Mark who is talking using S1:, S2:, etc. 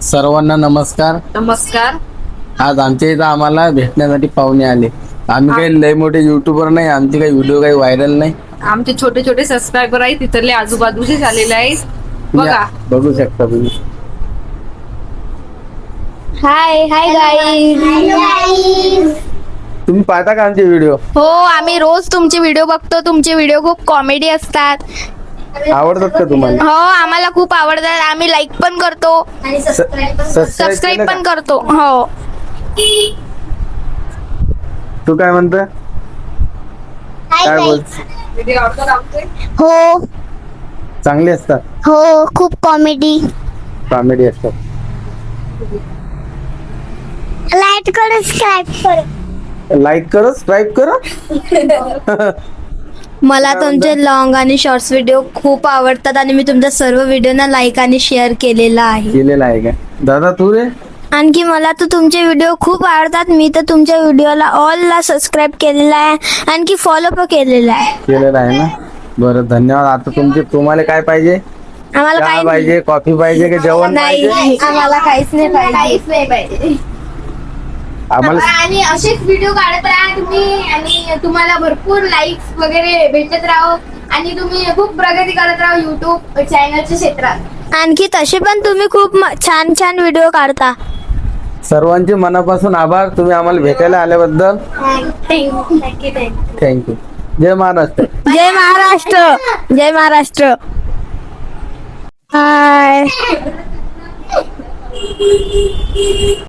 S1: सर्वांना नमस्कार.
S2: नमस्कार.
S1: आज आमच्या इथं आम्हाला भेटण्यासाठी पाहुणे आले. आम्ही काही लय मोठे युट्यूबर नाही, आमचे काही व्हिडिओ काही व्हायरल नाही.
S2: आमचे छोटे छोटे सबस्क्रायबर आहेत, तिथले आजूबाजूचे झालेले आहेत. बघा,
S1: बघू शकता तुम्ही.
S3: Hi hi guys.
S1: तुम्ही पाहता का आमचे व्हिडिओ?
S3: हो, आम्ही रोज तुमचे व्हिडिओ बघतो. तुमचे व्हिडिओ खूप कॉमेडी असतात.
S1: आवडतात का तुम्हाला?
S3: हो, आम्हाला खूप आवडतात. आम्ही लाईक पण करतो, सबस्क्राईब पण करतो. हो.
S1: तू काय म्हणतो? काय बोल?
S2: व्हिडिओ आवडतात आमचे.
S3: हो
S1: चांगले असतात,
S3: हो, खूप कॉमेडी.
S1: कॉमेडी असतात.
S3: लाईक करो, सबस्क्राईब करो.
S1: लाईक करो, सबस्क्राईब करो.
S3: मला तुमचे लॉंग आणि शॉर्ट्स व्हिडिओ खूप आवडतात आणि मी तुमच्या सर्व व्हिडिओना लाईक आणि शेअर केलेला आहे.
S1: केलेला आहे का दादा? तू रे?
S3: आणखी मला तर तुमचे व्हिडिओ खूप आवडतात. मी तर तुमच्या व्हिडिओला ऑलला सबस्क्राईब केलेला आहे, आणखी फॉलो पण केलेला आहे.
S1: केलेला आहे ना. बरं, धन्यवाद. आता तुम्हाला काय पाहिजे?
S3: आम्हाला
S1: चहा
S3: काही
S1: पाहिजे, कॉफी पाहिजे की जेवण पाहिजे?
S3: नाही, आम्हाला काहीच नाही पाहिजे.
S1: आम्हाला
S3: आणि असेच व्हिडिओ काढत राहा तुम्ही, आणि तुम्हाला भरपूर लाईक्स वगैरे भेटत राहो, आणि तुम्ही खूप प्रगती करत राहा युट्यूब चॅनलच्या क्षेत्रात. आणखी तसे पण तुम्ही खूप छान छान व्हिडिओ काढता.
S1: सर्वांचे मनापासून आभार, तुम्ही आम्हाला भेटायला आल्याबद्दल. थँक्यू. जय महाराष्ट्र.
S3: जय महाराष्ट्र. जय महाराष्ट्र. हाय.